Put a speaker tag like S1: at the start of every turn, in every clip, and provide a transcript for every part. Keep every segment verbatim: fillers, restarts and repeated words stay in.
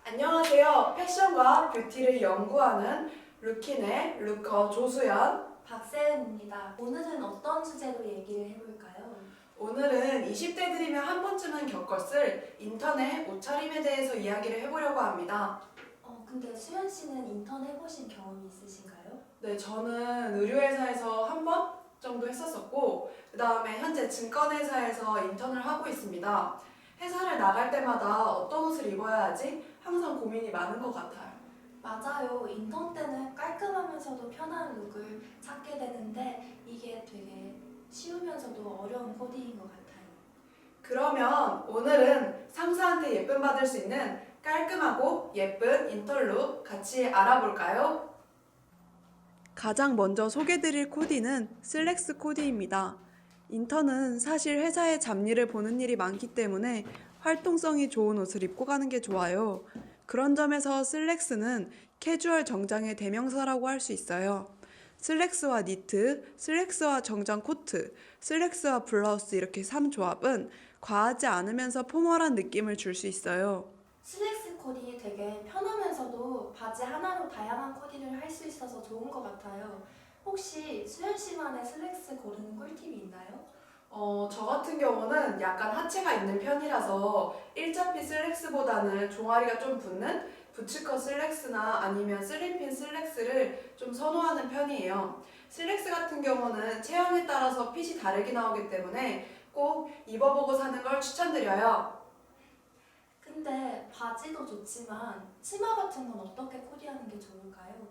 S1: 안녕하세요. 패션과 뷰티를 연구하는 루킨의 루커 조수연.
S2: 박세은입니다. 오늘은 어떤 주제로 얘기를 해볼까요?
S1: 오늘은 이십 대들이면 한 번쯤은 겪었을 인터넷 옷차림에 대해서 이야기를 해보려고 합니다.
S2: 어, 근데 수연 씨는 인턴 해보신 경험이 있으신가요?
S1: 네, 저는 의류회사에서 한 번 정도 했었었고, 그 다음에 현재 증권회사에서 인턴을 하고 있습니다. 회사를 나갈 때마다 어떤 옷을 입어야 하지? 항상 고민이 많은 것 같아요.
S2: 맞아요. 인턴 때는 깔끔하면서도 편한 룩을 찾게 되는데 이게 되게 쉬우면서도 어려운 코디인 것 같아요.
S1: 그러면 오늘은 상사한테 예쁨 받을 수 있는 깔끔하고 예쁜 인턴룩 같이 알아볼까요? 가장 먼저 소개드릴 코디는 슬랙스 코디입니다. 인턴은 사실 회사의 잡일을 보는 일이 많기 때문에 활동성이 좋은 옷을 입고 가는 게 좋아요. 그런 점에서 슬랙스는 캐주얼 정장의 대명사라고 할 수 있어요. 슬랙스와 니트, 슬랙스와 정장 코트, 슬랙스와 블라우스 이렇게 삼 조합은 과하지 않으면서 포멀한 느낌을 줄 수 있어요.
S2: 슬랙스 코디 되게 편하면서도 바지 하나로 다양한 코디를 할 수 있어서 좋은 것 같아요. 혹시 수연 씨만의 슬랙스 고르는 꿀팁이 있나요?
S1: 어, 저 같은 경우는 약간 하체가 있는 편이라서 일자핏 슬랙스보다는 종아리가 좀 붙는 부츠컷 슬랙스나 아니면 슬림핀 슬랙스를 좀 선호하는 편이에요. 슬랙스 같은 경우는 체형에 따라서 핏이 다르게 나오기 때문에 꼭 입어보고 사는 걸 추천드려요.
S2: 근데 바지도 좋지만 치마 같은 건 어떻게 코디하는 게 좋을까요?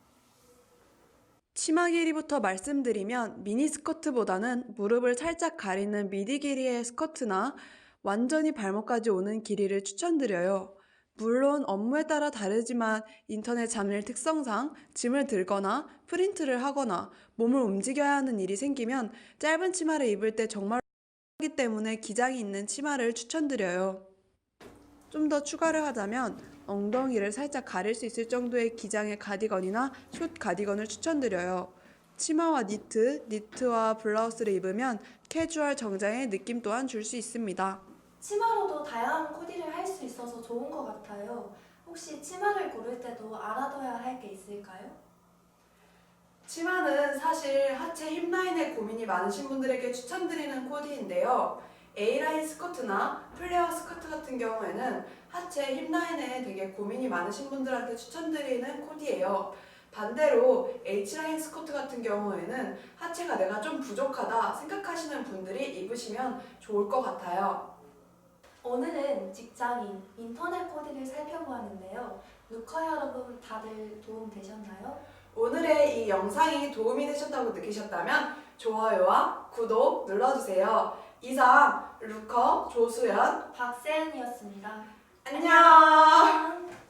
S1: 치마 길이부터 말씀드리면 미니스커트보다는 무릎을 살짝 가리는 미디 길이의 스커트나 완전히 발목까지 오는 길이를 추천드려요. 물론 업무에 따라 다르지만 인터넷 잡일 특성상 짐을 들거나 프린트를 하거나 몸을 움직여야 하는 일이 생기면 짧은 치마를 입을 때 정말 하기 때문에 기장이 있는 치마를 추천드려요. 좀 더 추가를 하자면 엉덩이를 살짝 가릴 수 있을 정도의 기장의 가디건이나 숏 가디건을 추천드려요. 치마와 니트, 니트와 블라우스를 입으면 캐주얼 정장의 느낌 또한 줄 수 있습니다.
S2: 치마로도 다양한 코디를 할 수 있어서 좋은 것 같아요. 혹시 치마를 고를 때도 알아둬야 할 게 있을까요?
S1: 치마는 사실 하체 힙라인에 고민이 많으신 분들에게 추천드리는 코디인데요. A라인 스커트나 플레어 스커트 같은 경우에는 하체 힙라인에 되게 고민이 많으신 분들한테 추천드리는 코디예요. 반대로 H라인 스커트 같은 경우에는 하체가 내가 좀 부족하다 생각하시는 분들이 입으시면 좋을 것 같아요.
S2: 오늘은 직장인, 인터넷 코디를 살펴보았는데요. 루커 여러분 다들 도움 되셨나요?
S1: 오늘의 이 영상이 도움이 되셨다고 느끼셨다면 좋아요와 구독 눌러주세요. 이상 루커 조수연
S2: 박세은이었습니다.
S1: 안녕.